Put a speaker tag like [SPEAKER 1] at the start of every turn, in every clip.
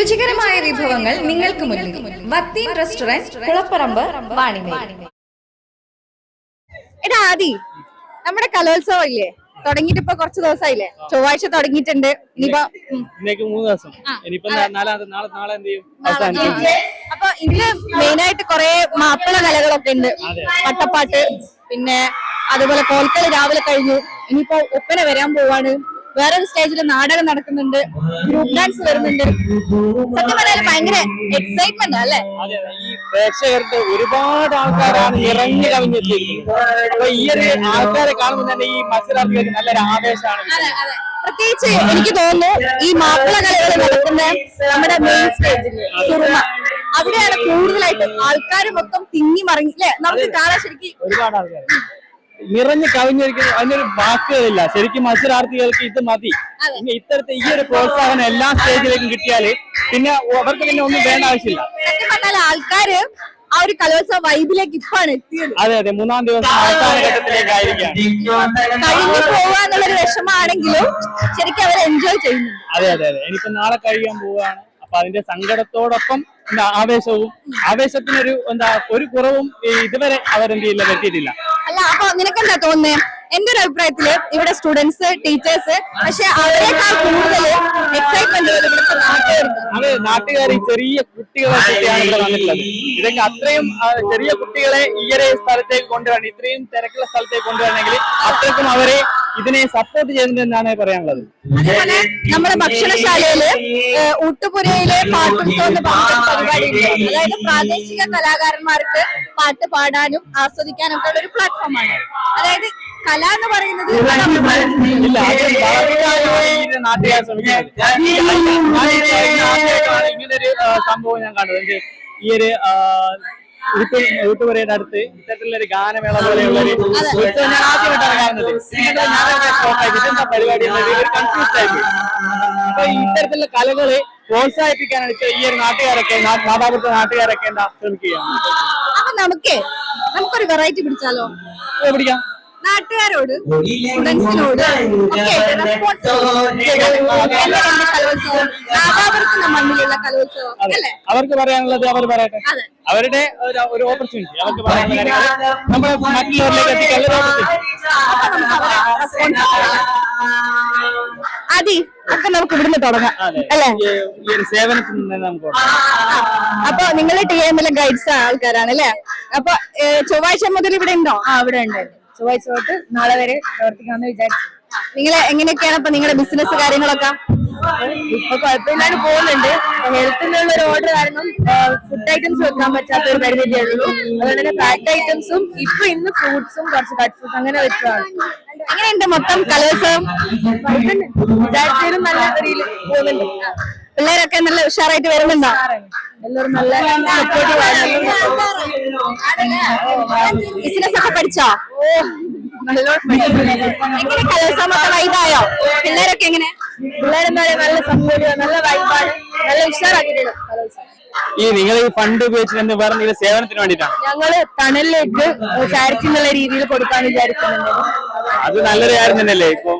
[SPEAKER 1] രുചികരമായ വിഭവങ്ങൾ നിങ്ങൾക്ക് മുന്നിൽ. വത്തീൻ റെസ്റ്റോറന്റ്, കുളപ്പറമ്പ്, വാണിമേൽ.
[SPEAKER 2] എടാ ആദി, നമ്മുടെ കലോത്സവം ഇല്ലേ തുടങ്ങിയിട്ട് ഇപ്പൊ കുറച്ച് ദിവസമായില്ലേ? ചൊവ്വാഴ്ച തുടങ്ങിയിട്ടുണ്ട്. ഇനിയിപ്പോ
[SPEAKER 3] 3 ദിവസം.
[SPEAKER 2] അപ്പൊ ഇതില് മെയിനായിട്ട് കുറെ മാപ്പിള കലകളൊക്കെ ഉണ്ട്. വട്ടപ്പാട്ട്, പിന്നെ അതുപോലെ കോൽക്കളി രാവിലെ കഴിഞ്ഞു. ഇനിയിപ്പോ ഒപ്പന വരാൻ പോവാണ്. വേറൊരു സ്റ്റേജില് നാടകം നടക്കുന്നുണ്ട്, ഗ്രൂപ്പ് ഡാൻസ് വരുന്നുണ്ട്. സത്യം പറഞ്ഞാൽ ഭയങ്കര എക്സൈറ്റ്മെന്റ് അല്ലേ?
[SPEAKER 3] ഈ പ്രേക്ഷകർക്ക് ഒരുപാട് ആൾക്കാരാണ് ഇറങ്ങി കവിഞ്ഞെത്തിയിരിക്കുന്നത്. അപ്പൊ ഈ ഒരു ആൾക്കാരെ കാണുമ്പോൾ തന്നെ ഈ മത്സരാർത്ഥികൾക്ക് നല്ലൊരു ആവേശമാണ്.
[SPEAKER 2] പ്രത്യേകിച്ച് എനിക്ക് തോന്നുന്നു ഈ മാപ്പിള കലകൾ നടക്കുന്ന നമ്മുടെ മെയിൻ സ്റ്റേജില് സുറുമ, അവിടെയാണ് കൂടുതലായിട്ട് ആൾക്കാർ മൊത്തം തിങ്ങി മറിഞ്ഞ് അല്ലെ? നമുക്ക് കാണാൻ ശരിക്കും
[SPEAKER 3] ഒരുപാട് ആൾക്കാർ നിറഞ്ഞു കവിഞ്ഞിരിക്കുന്നു. അതിനൊരു വാക്കുകളില്ല. ശരിക്കും മത്സരാർത്ഥികൾക്ക് ഇത് മതി. ഇത്തരത്തിൽ ഈ ഒരു പ്രോത്സാഹനം എല്ലാ സ്റ്റേജിലേക്കും കിട്ടിയാല് പിന്നെ അവർക്ക് പിന്നെ ഒന്നും വേണ്ട ആവശ്യമില്ല.
[SPEAKER 2] ആൾക്കാര് ആ ഒരു കലോത്സവ വൈബിലേക്ക് ഇപ്പാണ് എത്തിയത്.
[SPEAKER 3] അതെ അതെ, 3-ാം ദിവസം അവസാന ഘട്ടത്തിലേക്കായിരിക്കാം.
[SPEAKER 2] കഴിഞ്ഞു പോവാന്നുള്ളൊരു വിഷമാണെങ്കിലും ശരിക്കും അവർ എൻജോയ് ചെയ്യുന്നു.
[SPEAKER 3] അതെ അതെ അതെ, എനിക്ക് നാളെ കഴിയാൻ പോവുകയാണ്. അപ്പൊ അതിന്റെ സങ്കടത്തോടൊപ്പം ആവേശത്തിനൊരു ഒരു കുറവും ഇതുവരെ അവരെന്ത് ചെയ്യില്ല, വരുത്തിയിട്ടില്ല.
[SPEAKER 2] അല്ല, അപ്പൊ നിനക്കെന്താ തോന്നുന്നത്? എന്റെ ഒരു അഭിപ്രായത്തില് ഇവിടെ സ്റ്റുഡൻസ്, ടീച്ചേഴ്സ്, പക്ഷെ അവരെക്കാൾ കൂടുതൽ എക്സൈറ്റ്മെന്റ്
[SPEAKER 3] അത് നാട്ടുകാർ ഈ ചെറിയ കുട്ടികളെ കുട്ടിയാണ് ഇവിടെ വന്നിട്ടുള്ളത്. ഇതൊക്കെ അത്രയും ചെറിയ കുട്ടികളെ ഈ ഒരു സ്ഥലത്തേക്ക് കൊണ്ടുവരണം, ഇത്രയും തിരക്കുള്ള സ്ഥലത്തേക്ക് കൊണ്ടുവരണമെങ്കിൽ അത്രയ്ക്കും അവരെ ഇതിനെ സപ്പോർട്ട് ചെയ്യുന്നുണ്ടെന്നാണ് പറയാനുള്ളത്.
[SPEAKER 2] അതുപോലെ നമ്മുടെ ഭക്ഷണശാലയില് ഊട്ടുപുരയിലെ പാട്ടുത്സവം എന്ന് പറഞ്ഞ പരിപാടി ഉണ്ട്. അതായത് പ്രാദേശിക കലാകാരന്മാർക്ക് പാട്ട് പാടാനും ആസ്വദിക്കാനും ഒക്കെ ഉള്ള ഒരു പ്ലാറ്റ്ഫോമാണ്. അതായത് കല എന്ന് പറയുന്നത്
[SPEAKER 3] നാട്ടുകാർ ശ്രമിക്കുന്നത്. ഇങ്ങനൊരു സംഭവം ഞാൻ കണ്ടത് ഈ ഒരു ഊട്ടുപുരയുടെ അടുത്ത് ഇത്തരത്തിലുള്ള ഒരു ഗാനമേള പോലെയുള്ള ഞാൻ ആദ്യമായിട്ടാണ് കാണുന്നത്. ഇതെന്താ പരിപാടി ഒരു കൺഫ്യൂസ് ആയിട്ട്. അപ്പൊ ഇത്തരത്തിലുള്ള കലകള് പ്രോത്സാഹിപ്പിക്കാനാണ് ഈ ഒരു നാട്ടുകാരൊക്കെ നാട്ടുകാരൊക്കെ ശ്രമിക്കുകയാണ്.
[SPEAKER 2] അപ്പൊ നമുക്കൊരു വെറൈറ്റി പിടിച്ചാലോ?
[SPEAKER 3] പിടിക്കാം.
[SPEAKER 2] നാട്ടുകാരോട്, സ്റ്റുഡൻസിനോട് മണ്ണിലുള്ള കലോത്സവം അല്ലേ
[SPEAKER 3] അവർക്ക് പറയാനുള്ളത് അവർ പറയട്ടെ. അവരുടെ ഒരു ഓപ്പർച്യൂണിറ്റി അവർക്ക് പറയാനുള്ള കാര്യങ്ങൾ നമ്മൾ മറ്റുള്ളവരിലേക്ക് എത്തിക്കാനുള്ള
[SPEAKER 2] അതി ഒക്കെ നമുക്ക് ഇവിടുന്ന് തുടങ്ങാം അല്ലേ?
[SPEAKER 3] ഈ ഒരു സേവനത്തിൽ നിന്ന് നമുക്ക്
[SPEAKER 2] അപ്പൊ നിങ്ങളെ TML ഗൈഡ്സ് ആൾക്കാരാണ് അല്ലേ? അപ്പൊ ചൊവ്വാഴ്ച മുതൽ ഇവിടെ ഉണ്ടോ?
[SPEAKER 4] ഇവിടെ ഉണ്ട്. ചൊവ്വാഴ്ച തൊട്ട് നാളെ വരെ പ്രവർത്തിക്കാമെന്ന് വിചാരിച്ചു.
[SPEAKER 2] നിങ്ങൾ എങ്ങനെയൊക്കെയാണ് ഇപ്പൊ നിങ്ങളുടെ ബിസിനസ് കാര്യങ്ങളൊക്കെ?
[SPEAKER 4] ഇപ്പൊ കുഴപ്പമില്ലാണ്ട് പോകുന്നുണ്ട്. ഹെൽത്തിനുള്ള ഒരു ഓർഡർ കാരണം ഫുഡ് ഐറ്റംസ് വെക്കാൻ പറ്റാത്ത ഒരു പരിമിതിയേ ഉള്ളൂ. അതുകൊണ്ട് തന്നെ പാക്ഡ് ഐറ്റംസും ഇന്ന് ഫ്രൂട്ട്സും കുറച്ച് കട്ട് ഫ്രൂട്ട്സ് അങ്ങനെ വെച്ചതാണ്.
[SPEAKER 2] എങ്ങനെയുണ്ട് മൊത്തം കലോത്സവം?
[SPEAKER 4] വിചാരിച്ചാലും നല്ല രീതിയിൽ പോകുന്നുണ്ട്.
[SPEAKER 2] പിള്ളേരൊക്കെ നല്ല ഉഷാറായിട്ട് വരുന്നുണ്ടോ?
[SPEAKER 4] എല്ലാവരും നല്ല സപ്പോർട്ടീവ് ആയിരുന്നു.
[SPEAKER 2] ബിസിനസ് ഒക്കെ പഠിച്ചോ? എങ്ങനെ കലോത്സവം വൈബായോ? പിള്ളേരൊക്കെ എങ്ങനെ?
[SPEAKER 4] പിള്ളേരെന്താ നല്ല സപ്പോർട്ടീവ്, നല്ല വൈബാണ്, നല്ല ഉഷാറാക്കിയിട്ടുണ്ട് കലോത്സവം.
[SPEAKER 3] നിങ്ങൾ ഈ ഫണ്ട് ഉപയോഗിച്ചിട്ട് വേറെ സേവനത്തിന് വേണ്ടിയിട്ടാണ്?
[SPEAKER 4] ഞങ്ങള് തണലിലേക്ക് ചാരിറ്റി എന്നുള്ള രീതിയിൽ കൊടുക്കാൻ വിചാരിക്കുന്നുണ്ട്.
[SPEAKER 3] അത് നല്ലൊരു കാര്യം തന്നെയല്ലേ? ഇപ്പൊ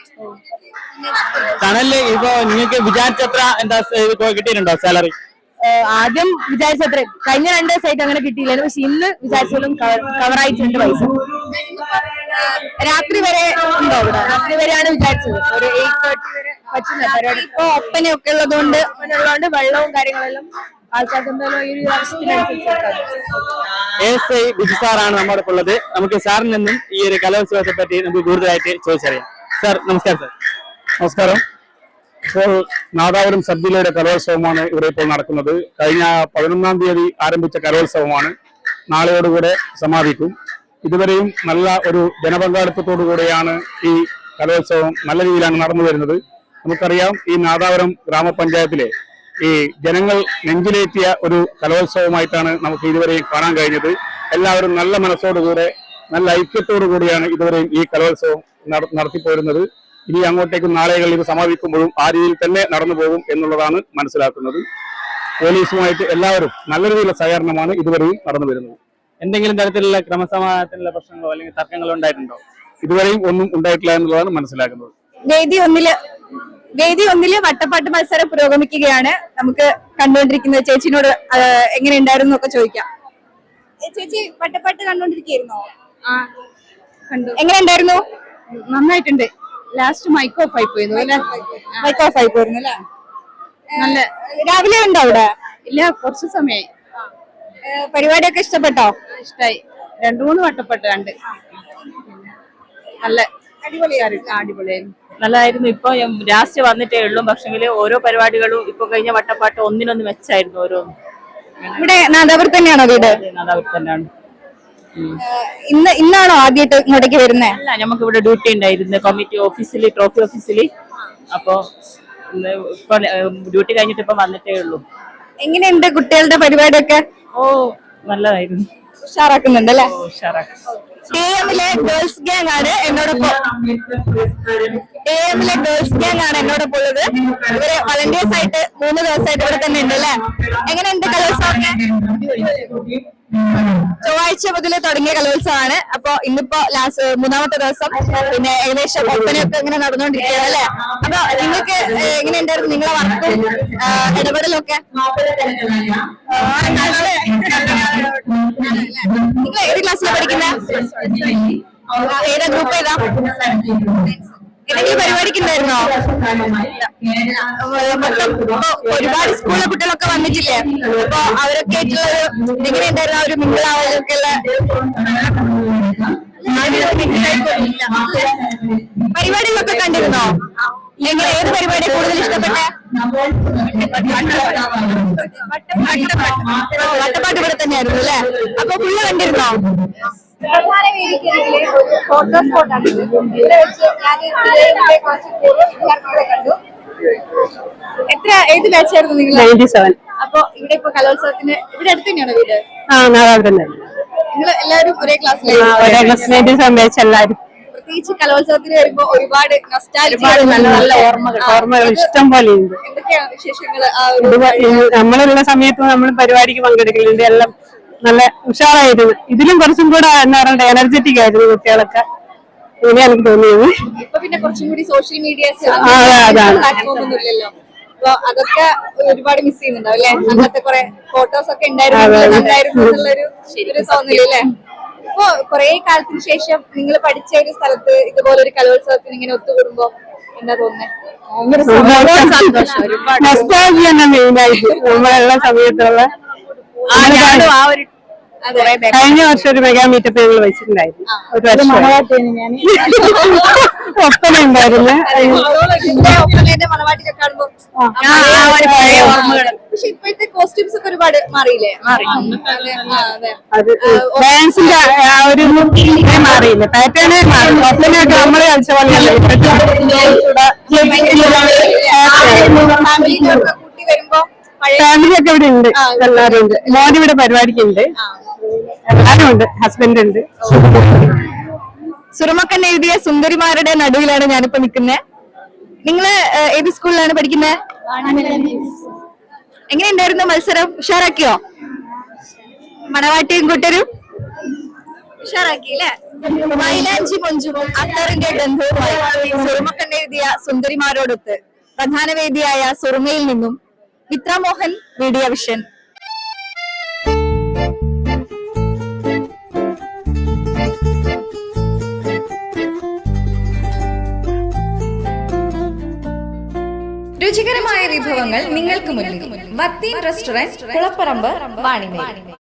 [SPEAKER 3] തണല് ഇപ്പൊ നിങ്ങൾക്ക് വിചാരിച്ചത്ര കിട്ടിയിട്ടുണ്ടോ സാലറി?
[SPEAKER 4] ആദ്യം വിചാരിച്ചത്ര കഴിഞ്ഞ 2 ദിവസമായിട്ട് അങ്ങനെ കിട്ടിയില്ലായിരുന്നു. പക്ഷെ ഇന്ന് വിചാരിച്ചാലും കവറായിട്ടുണ്ട് പൈസ.
[SPEAKER 2] രാത്രി വരെ ഉണ്ടോ ഇവിടെ?
[SPEAKER 4] രാത്രി വരെയാണ് വിചാരിച്ചത്. ഒരു 8:30 വരെ പറ്റുന്ന പരിപാടി.
[SPEAKER 2] ഇപ്പൊ ഒപ്പനയൊക്കെ ഉള്ളതുകൊണ്ട്
[SPEAKER 4] വെള്ളവും കാര്യങ്ങളെല്ലാം ആൾക്കാർക്ക് എന്തായാലും ഈ ഒരു ആവശ്യത്തിനനുസരിച്ച്.
[SPEAKER 3] SI ബിജു സാറാണ് നമ്മുടെ ഉള്ളത്. നമുക്ക് സാറിൽ നിന്നും ഈ ഒരു കലോത്സവത്തെ പറ്റി നമുക്ക് കൂടുതലായിട്ട് ചോദിച്ചറിയാം. സാർ നമസ്കാരം. സാർ
[SPEAKER 5] നമസ്കാരം. ഇപ്പോൾ നാദാപുരം സബ് ജില്ലയുടെ കലോത്സവമാണ് ഇവിടെ ഇപ്പോൾ നടക്കുന്നത്. കഴിഞ്ഞ 11-ാം തീയതി ആരംഭിച്ച കലോത്സവമാണ്. നാളെയോടുകൂടെ സമാപിക്കും. ഇതുവരെയും നല്ല ഒരു ജനപങ്കാളിത്തത്തോടു കൂടെയാണ് ഈ കലോത്സവം നല്ല രീതിയിലാണ് നടന്നു വരുന്നത്. നമുക്കറിയാം, ഈ നാദാപുരം ഗ്രാമപഞ്ചായത്തിലെ ഈ ജനങ്ങൾ നെഞ്ചിലേറ്റിയ ഒരു കലോത്സവമായിട്ടാണ് നമുക്ക് ഇതുവരെയും കാണാൻ കഴിഞ്ഞത്. എല്ലാവരും നല്ല മനസ്സോടുകൂടെ, നല്ല ഐക്യത്തോടു കൂടിയാണ് ഇതുവരെയും ഈ കലോത്സവം നടത്തിപ്പോരുന്നത്. ഇനി അങ്ങോട്ടേക്ക് നാളുകളിൽ ഇത് സമാപിക്കുമ്പോഴും ആ രീതിയിൽ തന്നെ നടന്നു പോകും എന്നുള്ളതാണ് മനസ്സിലാക്കുന്നത്. പോലീസുമായിട്ട് എല്ലാവരും നല്ല രീതിയിലുള്ള സഹകരണമാണ് ഇതുവരെയും നടന്നു വരുന്നത്.
[SPEAKER 3] എന്തെങ്കിലും തരത്തിലുള്ള ക്രമസമാധാനത്തിലുള്ള പ്രശ്നങ്ങളോ അല്ലെങ്കിൽ തർക്കങ്ങളോ ഉണ്ടായിട്ടുണ്ടോ?
[SPEAKER 5] ഇതുവരെയും ഒന്നും ഉണ്ടായിട്ടില്ല എന്നുള്ളതാണ് മനസ്സിലാക്കുന്നത്.
[SPEAKER 2] വേദി 1-ല് വേദി ഒന്നില് വട്ടപ്പാട്ട് മത്സരം പുരോഗമിക്കുകയാണ്. നമുക്ക് കണ്ടുകൊണ്ടിരിക്കുന്ന ചേച്ചിനോട് എങ്ങനെ ഉണ്ടായിരുന്നു ഒക്കെ ചോദിക്കാം. ചേച്ചി വട്ടപ്പാട്ട് കണ്ടോണ്ടിരിക്കുകയായിരുന്നോ?
[SPEAKER 4] കണ്ടു.
[SPEAKER 2] എങ്ങനെ ഉണ്ടായിരുന്നു?
[SPEAKER 4] നന്നായിട്ടുണ്ട്. ലാസ്റ്റ് മൈക്ക് ഓഫ് ആയി പോയിരുന്നു അല്ലെ?
[SPEAKER 2] മൈക്ക് ഓഫ് ആയി പോയിരുന്നു അല്ലേ?
[SPEAKER 4] നല്ല
[SPEAKER 2] രാവിലെ ഉണ്ടോ അവിടെ?
[SPEAKER 4] ഇല്ല, കുറച്ച് സമയമായി.
[SPEAKER 2] പരിപാടിയൊക്കെ ഇഷ്ടപ്പെട്ടോ?
[SPEAKER 4] ഇഷ്ടായി. 2-3 വട്ടപ്പെട്ട് കണ്ട്. നല്ല അടിപൊളിയായിരുന്നു.
[SPEAKER 6] നല്ലതായിരുന്നു. ഇപ്പൊ ലാസ്റ്റ് വന്നിട്ടേ ഉള്ളൂ. പക്ഷെങ്കിൽ ഓരോ പരിപാടികളും ഇപ്പൊ കഴിഞ്ഞ വട്ടപ്പാട്ട് ഒന്നിനൊന്ന് മെച്ചായിരുന്നു ഓരോന്നും.
[SPEAKER 2] ഇവിടെ നാദാപുരത്ത് തന്നെയാണോ വീട്?
[SPEAKER 6] നാദാപുരത്ത് തന്നെയാണ്.
[SPEAKER 2] ഇന്നാണോ ആദ്യമായിട്ട് ഇങ്ങോട്ടേക്ക് വരുന്നേ?
[SPEAKER 6] അല്ല, നമുക്ക് ഇവിടെ ഡ്യൂട്ടി ഉണ്ടായിരുന്നു കമ്മിറ്റി ഓഫീസിൽ, ട്രോഫി ഓഫീസിൽ. അപ്പൊ ഇപ്പൊ ഡ്യൂട്ടി കഴിഞ്ഞിട്ട് ഇപ്പൊ വന്നിട്ടേ ഉള്ളൂ.
[SPEAKER 2] എങ്ങനെയുണ്ട് കുട്ടികളുടെ പരിപാടിയൊക്കെ?
[SPEAKER 6] ഓ, നല്ലതായിരുന്നു.
[SPEAKER 2] ഉഷാറാക്കുന്നുണ്ട് അല്ലേ?
[SPEAKER 6] ഉഷാറാക്കി.
[SPEAKER 2] എമ്മിലെ ഗേൾസ് ഗ്യാങ് ആണ് എന്നോടൊപ്പം ഉള്ളത്. ഇവര് വളണ്ടിയേഴ്സ് ആയിട്ട് 3 ദിവസമായിട്ട് ഇവിടെ തന്നെ ഉണ്ട് അല്ലേ? എങ്ങനെയുണ്ട് കലോത്സവമൊക്കെ? ചൊവ്വാഴ്ച മുതൽ തുടങ്ങിയ കലോത്സവമാണ്. അപ്പൊ ഇന്നിപ്പോ മൂന്നാമത്തെ ദിവസം. പിന്നെ ഏകദേശം ഒപ്പനയൊക്കെ ഇങ്ങനെ നടന്നുകൊണ്ടിരിക്കുകയാണ് അല്ലെ? അപ്പൊ നിങ്ങൾക്ക് എങ്ങനെയുണ്ടായിരുന്നു നിങ്ങളെ വർക്കും ഇടപെടലൊക്കെ? നിങ്ങൾ ഏത് ക്ലാസ്സിലാണ് പഠിക്കുന്നത്? ഏതാ ഗ്രൂപ്പ് ഏതാ? എന്തെങ്കിലും പരിപാടിക്ക് ഉണ്ടായിരുന്നോ? ഒരുപാട് സ്കൂളിലെ കുട്ടികളൊക്കെ വന്നിട്ടില്ലേ? അപ്പൊ അവരൊക്കെ ആയിട്ടുള്ള എങ്ങനെയുണ്ടായിരുന്നു ഒരു മിങ്കിളാവലൊക്കെ ഉള്ള പരിപാടികളൊക്കെ കണ്ടിരുന്നോ? എങ്ങനെ ഏത് പരിപാടിയാണ് കൂടുതൽ ഇഷ്ടപ്പെട്ടെ? വട്ടപ്പാട്ട് ഇവിടെ തന്നെയായിരുന്നു അല്ലേ? അപ്പൊ ഫുള്ള് കണ്ടിരുന്നോ?
[SPEAKER 1] ഫോട്ടോ സ്പോട്ടാണ് ഇവിടെ വെച്ച് കണ്ടു.
[SPEAKER 2] ഏത് ബാച്ചായിരുന്നു നിങ്ങൾ?
[SPEAKER 4] 97.
[SPEAKER 2] അപ്പൊ ഇവിടെ ഇപ്പൊ കലോത്സവത്തിന് ഇവിടെ അടുത്ത് തന്നെയാണോ വീട്?
[SPEAKER 4] നാദാപുരം.
[SPEAKER 2] നിങ്ങൾ എല്ലാവരും ഒരേ ക്ലാസ്സിലായിരുന്നു?
[SPEAKER 4] എല്ലാവരും
[SPEAKER 2] പ്രത്യേകിച്ച് കലോത്സവത്തിന് വരുമ്പോ ഒരുപാട്
[SPEAKER 4] നല്ല നല്ല ഓർമ്മകൾ ഇഷ്ടം പോലെ ഉണ്ട്.
[SPEAKER 2] എന്തൊക്കെയാണ് വിശേഷങ്ങൾ?
[SPEAKER 4] നമ്മളുള്ള സമയത്ത് നമ്മൾ പരിപാടിക്ക് പങ്കെടുക്കലുണ്ട്. എല്ലാം നല്ല ഉഷാറായിരുന്നു. ഇതിലും കുറച്ചും കൂടെ എന്താ പറയുക എനർജറ്റിക് ആയിരുന്നു കുട്ടികളൊക്കെ. ഇങ്ങനെ എനിക്ക് തോന്നിയത്.
[SPEAKER 2] ഇപ്പൊ പിന്നെ കുറച്ചും കൂടി സോഷ്യൽ മീഡിയാസ്
[SPEAKER 4] അതാണ്.
[SPEAKER 2] പ്ലാറ്റ്ഫോം ഒന്നും ഇല്ലല്ലോ. അപ്പൊ അതൊക്കെ ഒരുപാട് മിസ് ചെയ്യുന്നുണ്ടാവും അല്ലെ? അങ്ങനത്തെ കുറെ ഫോട്ടോസ് ഒക്കെ ഉണ്ടായിരുന്നു എന്നുള്ളൊരു തോന്നലല്ലേ? ഇപ്പൊ കുറെ കാലത്തിന് ശേഷം നിങ്ങൾ പഠിച്ച ഒരു സ്ഥലത്ത് ഇതുപോലെ ഒരു കലോത്സവത്തിന് ഇങ്ങനെ ഒത്തുകൂടുമ്പോ എന്താ തോന്നുന്നത്?
[SPEAKER 4] മെയിനായിട്ട് നമ്മളുള്ള സമയത്തുള്ള കഴിഞ്ഞ വർഷം ഒരു മെഗാ മീറ്റപ്പ് ഞങ്ങൾ വെച്ചിട്ടുണ്ടായിരുന്നു. ഒരു വർഷം ഒപ്പന ഉണ്ടായിരുന്നു.
[SPEAKER 2] പക്ഷെ ഇപ്പോഴത്തെ കോസ്റ്റ്യൂംസ് ഒക്കെ ഒരുപാട് മാറിയില്ലേ?
[SPEAKER 4] അത് ഡാൻസിന്റെ ആ ഒരു മാറിയില്ല, പാറ്റേണേ മാറി. ഒപ്പനയൊക്കെ നമ്മള് കളിച്ച പോലെയല്ല.
[SPEAKER 2] കൂട്ടി വരുമ്പോ
[SPEAKER 4] ഫാമിലി ഒക്കെ ഇവിടെ ഉണ്ട്, എല്ലാരും ഉണ്ട്. മോൻ ഇവിടെ പരിപാടിക്ക് ഉണ്ട്, എല്ലാരും ഉണ്ട്, ഹസ്ബൻഡ് ഉണ്ട്.
[SPEAKER 2] സുറുമക്കൻ എഴുതിയ സുന്ദരിമാരുടെ നടുവിലാണ് ഞാനിപ്പോ നിൽക്കുന്നത്. നിങ്ങള് ഏത് സ്കൂളിലാണ് പഠിക്കുന്നത്? എങ്ങനെയുണ്ടായിരുന്നു മത്സരം? ഉഷാറാക്കിയോ? മണവാട്ടിയും കൂട്ടരും ഉഷാറാക്കി അല്ലേ? മൈലാഞ്ചി മൊഞ്ചും അത്തറിന്റെ ഗന്ധവുമായി സുറുമക്കൻ എഴുതിയ സുന്ദരിമാരോടൊത്ത് പ്രധാന വേദിയായ സുറുമയിൽ നിന്നും മിത്ര മോഹൻ, മീഡിയ വിഷൻ.
[SPEAKER 1] രുചികരമായ വിഭവങ്ങൾ നിങ്ങൾക്ക് മുന്നിൽ. വത്തീൻ റെസ്റ്റോറന്റ്, കുളപ്പറമ്പ്, വാണിമേൽ.